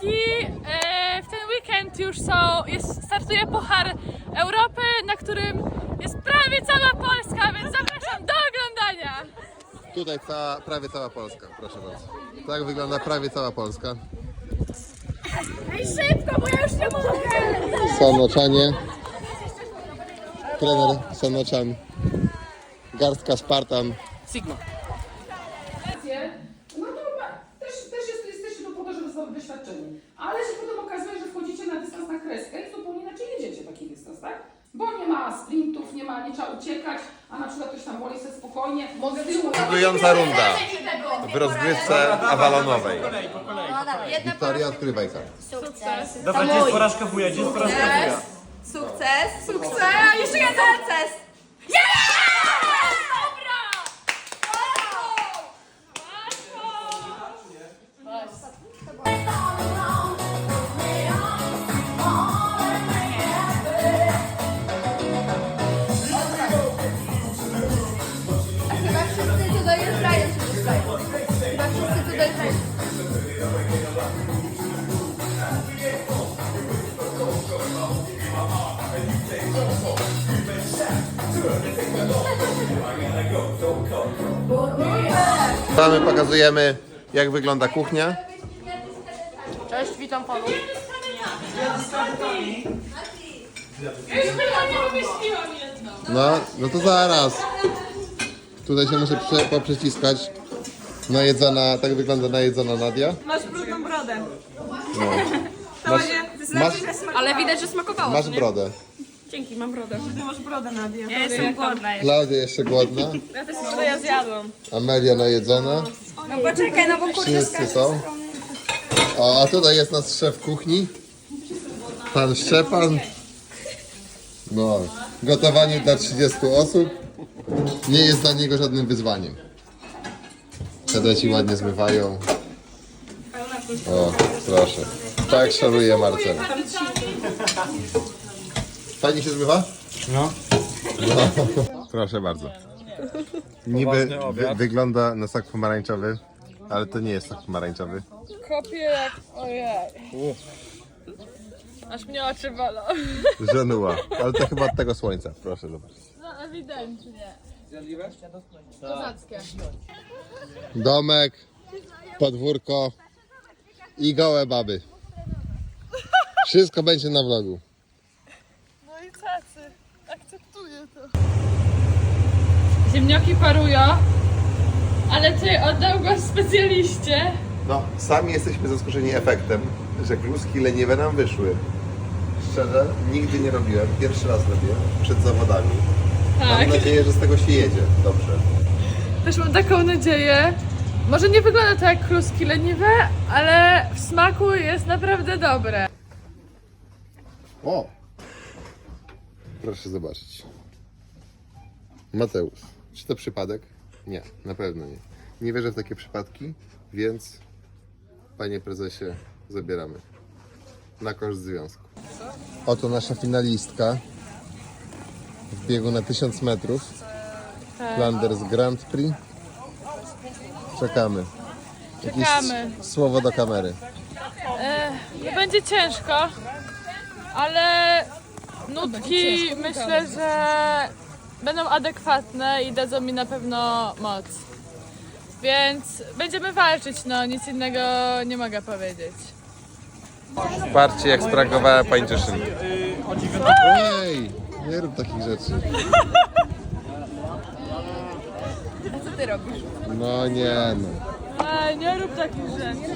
Polski. W ten weekend już startuje Puchar Europy, na którym jest prawie cała Polska, więc zapraszam do oglądania. Tutaj prawie cała Polska, proszę bardzo. Tak wygląda prawie cała Polska. Ej, szybko, bo ja już nie mogę! Sanoczanie. Trener Sanoczan. Garstka Spartan. Sigma. No to jesteście tu po to, żeby zdobyć doświadczenie. Ale się potem okazuje, że wchodzicie na dystans na kreskę i zupełnie inaczej jedziecie taki dystans, tak? Bo nie ma sprintów, nie trzeba uciekać, a na przykład ktoś tam woli sobie spokojnie. Decydująca runda w rozgrywce awalonowej. Wiktoria, odkrywaj kartę. Sukces. Dobra, gdzie jest porażka wuja? Gdzie jest porażka wuja? Sukces. Sukces. Jeszcze jeden sukces. Chyba wszyscy tutaj dojeżdżają się dostają. Chyba wszyscy tutaj dojeżdżają. My pokazujemy, jak wygląda kuchnia. Cześć, witam panów. No to zaraz. Tutaj się muszę poprzeciskać. Najedzona, tak wygląda najedzona Nadia. Masz brudną brodę. No. To Masz, będzie masz, ale widać, że smakowało. masz brodę. Dzięki, mam brodę. Ty masz brodę, Nadia. Ja jestem głodna. Klaudia jeszcze głodna. Ja też brodę ja zjadłam. Amelia najedzona. No poczekaj, no bo kurde Wszyscy są. O, a tutaj jest nasz szef kuchni. Pan Szczepan. No, gotowanie dla 30 osób nie jest dla niego żadnym wyzwaniem. Kadeci ładnie zmywają. O, proszę. Tak szaruje Marcel. Fajnie się zmywa? No. Proszę bardzo. Niby wygląda na sok pomarańczowy, ale to nie jest sok pomarańczowy. Kopię jak... Ojej. Aż mnie oczy bolą. Żenuła. Ale to chyba od tego słońca. Proszę zobaczyć. No ewidentnie. Kozackie. Domek, podwórko i gołe baby. Wszystko będzie na vlogu. No i cacy. Akceptuję to. Ziemnioki parują, ale tutaj oddał go specjaliście. No, sami jesteśmy zaskoczeni efektem, że kluski leniwe nam wyszły. Szczerze, nigdy nie robiłem. Pierwszy raz robię przed zawodami. Tak. Mam nadzieję, że z tego się jedzie. Dobrze. Też mam taką nadzieję. Może nie wygląda to jak kluski leniwe, ale w smaku jest naprawdę dobre. O! Proszę zobaczyć. Mateusz, czy to przypadek? Nie, na pewno nie. Nie wierzę w takie przypadki, więc panie prezesie, zabieramy. Na koszt związku. Oto nasza finalistka w biegu na 1000 metrów. Flanders Grand Prix. Czekamy. Jakieś Czekamy. słowo do kamery. No będzie ciężko, ale nutki myślę, że będą adekwatne i dadzą mi na pewno moc. Więc będziemy walczyć, no nic innego nie mogę powiedzieć. Patrzcie, jak spragowała pańczyszynka. Ej, nie rób takich rzeczy. Co ty robisz? No nie no. Ej, nie rób takich rzeczy.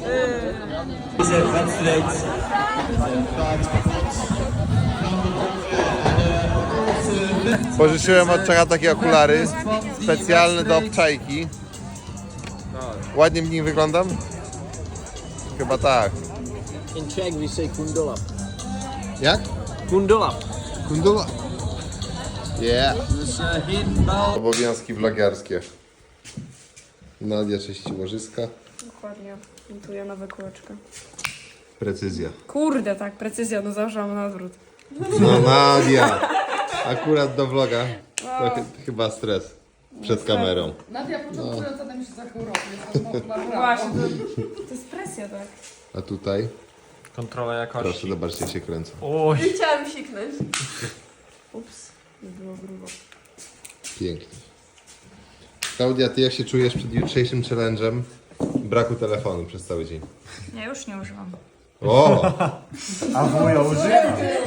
Pożyczyłem od Czeka takie okulary specjalne do obczajki. Ładnie w nich wyglądam? Chyba tak. In Czech we say kundula. Jak? Kundula. Kundula. Yeah. This hidden ball. Obowiązki vlogiarskie. Nadia czyści łożyska. Dokładnie. Montuję nowe kółeczka. Precyzja. Kurde, tak, precyzja, no założyłam na odwrót. No Nadia. Akurat do vloga. To chyba stres. przed kamerą. Nadia początkująca na mistrzostwach Europy. Jest to chyba brawo. Właśnie, to jest presja, tak? A tutaj, Kontrola jakości. proszę, zobaczcie, się kręcą. Oj. Chciałam siknąć. Ups, nie było grubo. Pięknie. Klaudia, ty jak się czujesz przed jutrzejszym challenge'em braku telefonu przez cały dzień? Ja już nie używam. O! A wuja używa.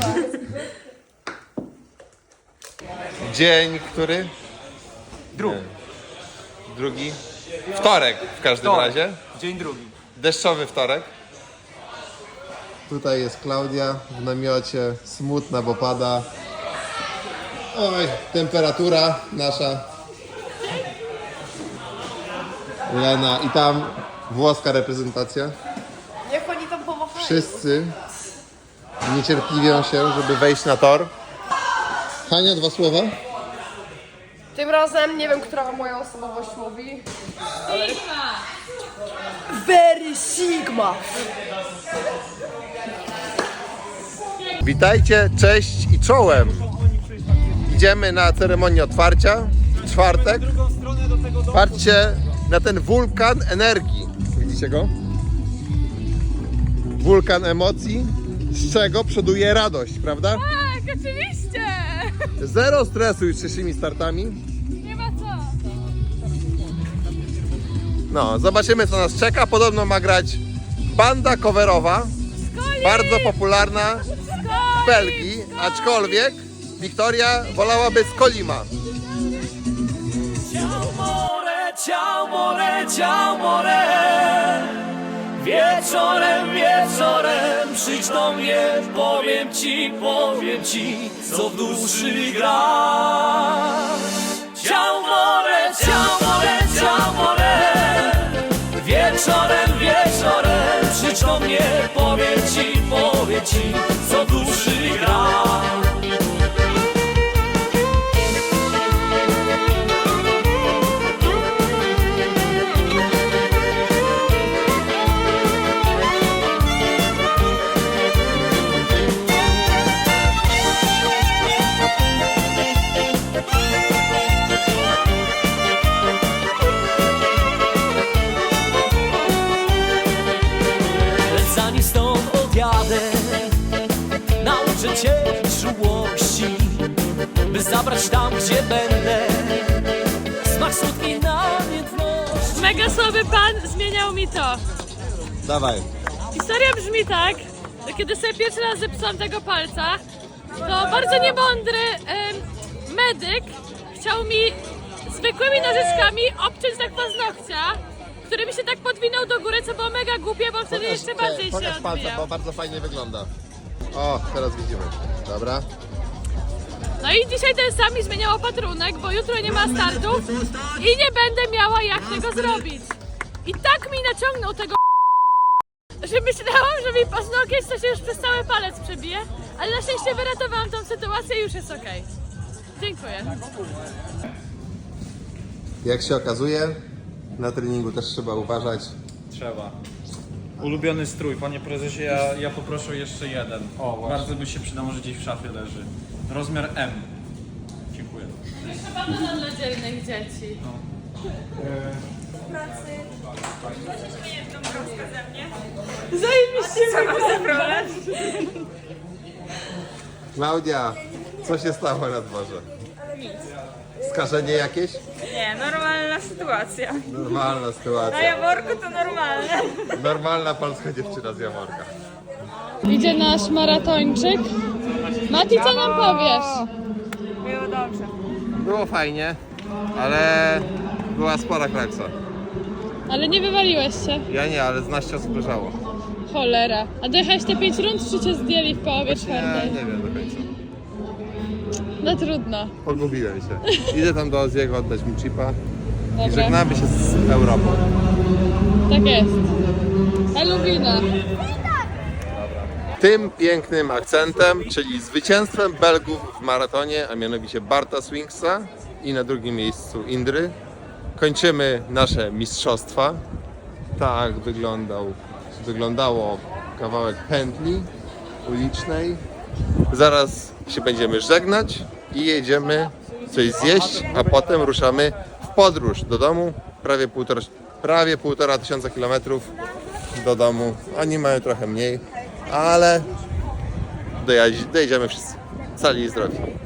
Dzień, który? Drugi. Drugi? Wtorek w każdym razie. Dzień drugi. Deszczowy wtorek. Tutaj jest Klaudia w namiocie, smutna, bo pada. Oj, temperatura nasza. Lena i tam włoska reprezentacja. Jak oni tam pomachają? Wszyscy niecierpliwią się, żeby wejść na tor. Hania, 2 słowa? Tym razem nie wiem, która moja osobowość mówi. Very Sigma! Witajcie, cześć i czołem. Idziemy na ceremonię otwarcia w czwartek. Patrzcie na ten wulkan energii. Widzicie go? Wulkan emocji, z czego przoduje radość, prawda? Tak, oczywiście! Zero stresu jutrzejszymi startami. Nie ma co. No, zobaczymy co nas czeka. Podobno ma grać banda coverowa, bardzo popularna w Belgii, aczkolwiek Wiktoria wolałaby z Kolima. Ciao more, wieczorem, wieczorem przyjdź do mnie, powiem ci, co w duszy gra. Ciao more, wieczorem, wieczorem przyjdź do mnie, powiem ci, co w duszy gra. Zanim stąd odjadę, nauczę cię czułości, by zabrać tam, gdzie będę smak słodkiej namiętności. Mega słaby pan zmieniał mi to. Dawaj. Historia brzmi tak, że kiedy sobie pierwszy raz zepsułam tego palca, to bardzo niemądry medyk chciał mi zwykłymi nożyczkami obciąć tak paznokcia, który mi się tak podwinął do góry, co było mega głupie, bo wtedy jeszcze bardziej się Pokaż palca, odbijał. bo bardzo fajnie wygląda. O, teraz widzimy. Dobra. No i dzisiaj ten sam mi zmieniał opatrunek, bo jutro nie ma startów i nie będę miała jak tego zrobić. I tak mi naciągnął tego że myślałam, że mi paznokieć to się już przez cały palec przebije, ale na szczęście wyratowałam tą sytuację i już jest okej. Dziękuję. Jak się okazuje, na treningu też trzeba uważać. Trzeba. Ulubiony strój, panie prezesie, ja poproszę jeszcze jeden. O, bardzo by się przydał, może gdzieś w szafie leży. Rozmiar M. Dziękuję. Jeszcze banana dla dzielnych dzieci. Klaudia, co się stało na dworze? Skażenie jakieś? Nie, normalna sytuacja. Normalna sytuacja. Na Jaworku to normalne. Normalna polska dziewczyna z Jaworka. Idzie nasz maratończyk. Mati, co nam powiesz? Było dobrze. Było fajnie, ale była spora kraksa. Ale nie wywaliłeś się. Ja nie, ale z naście osób leżało. Cholera. A dojechałeś te 5 rund, czy cię zdjęli w połowie czwartej? Nie wiem do końca. No trudno. Pogubiłem się. Idę tam do Oziego oddać mu chipa i Dobra, żegnamy się z Europą. tak jest. Eluwina. Tym pięknym akcentem, czyli zwycięstwem Belgów w maratonie, a mianowicie Barta Swingsa i na drugim miejscu Indry, kończymy nasze mistrzostwa. Tak wyglądało kawałek pętli ulicznej. Zaraz się będziemy żegnać i jedziemy coś zjeść, a potem ruszamy podróż do domu, prawie 1500 kilometrów do domu. Oni mają trochę mniej, ale dojedziemy wszyscy cali i zdrowi.